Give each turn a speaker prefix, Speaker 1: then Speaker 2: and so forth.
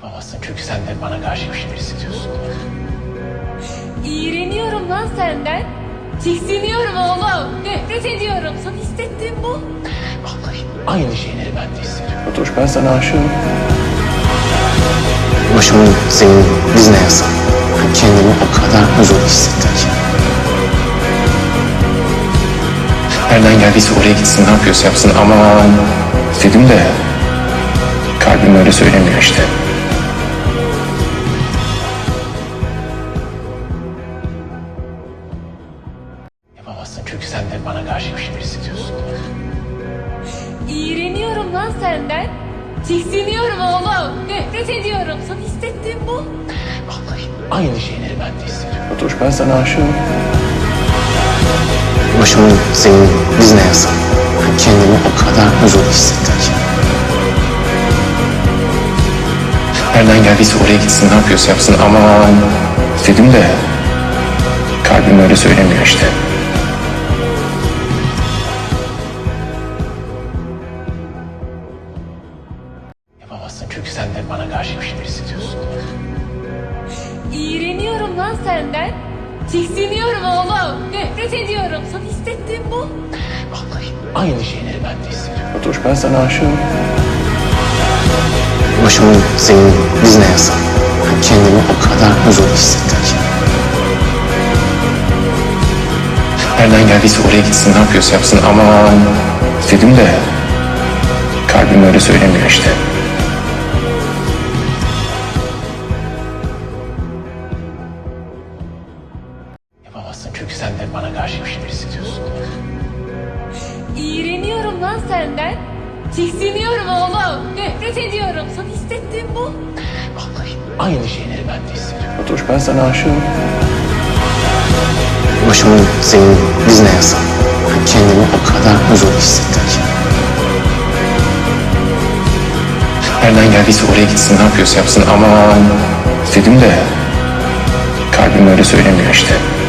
Speaker 1: Yapamazsın çünkü sen de bana karşı bir şeyler hissediyorsun.
Speaker 2: İğreniyorum lan senden. Tiksiniyorum oğlum. Nefret ediyorum. Sana hissettiğim bu.
Speaker 1: Vallahi aynı şeyleri ben de hissediyorum.
Speaker 3: Fatoş, ben sana aşığım.
Speaker 1: Başımın senin dizine yazsam. Kendimi o kadar huzurlu hissettim ki.
Speaker 3: Nereden geldiyse oraya gitsin, ne yapıyorsa yapsın ama dedim de kalbim öyle söylemiyor işte.
Speaker 1: Yapamazsın çünkü sen de bana karşı bir şeyler hissediyorsun.
Speaker 2: İğreniyorum lan senden. Tiksiniyorum oğlum. Nefret ediyorum. Sana hissettiğim bu.
Speaker 1: Vallahi aynı şeyleri ben de hissediyorum.
Speaker 3: Fatoş, ben sana aşığım.
Speaker 1: Başımın senin dizine yazsam. Kendimi o kadar huzurlu hissettim ki.
Speaker 3: Nereden geldiyse oraya gitsin, ne yapıyorsa yapsın ama dedim de kalbim öyle söylemiyor işte.
Speaker 1: Yapamazsın çünkü sen de bana karşı bir şeyler hissediyorsun.
Speaker 2: İğreniyorum lan senden. Tiksiniyorum oğlum. Nefret ediyorum. Sana hissettiğim bu.
Speaker 1: Vallahi aynı şeyleri ben de hissediyorum.
Speaker 3: Fatoş, ben sana aşığım.
Speaker 1: Başımın senin dizine yazsam. Kendimi o kadar huzurlu hissettim ki.
Speaker 3: Nereden geldiyse oraya gitsin, ne yapıyorsa yapsın ama dedim de kalbim öyle söylemiyor işte.
Speaker 1: Yapamazsın çünkü sen de bana karşı bir şeyler hissediyorsun.
Speaker 2: İğreniyorum lan senden. Tiksiniyorum oğlum. Nefret ediyorum. Sana hissettiğim bu.
Speaker 1: Vallahi aynı şeyleri ben de hissediyorum.
Speaker 3: Fatoş, ben sana aşığım.
Speaker 1: Başımın senin dizine yazsam. Kendimi o kadar huzurlu hissettim ki.
Speaker 3: Nereden geldiyse oraya gitsin, ne yapıyorsa yapsın ama dedim de kalbim öyle söylemiyor işte.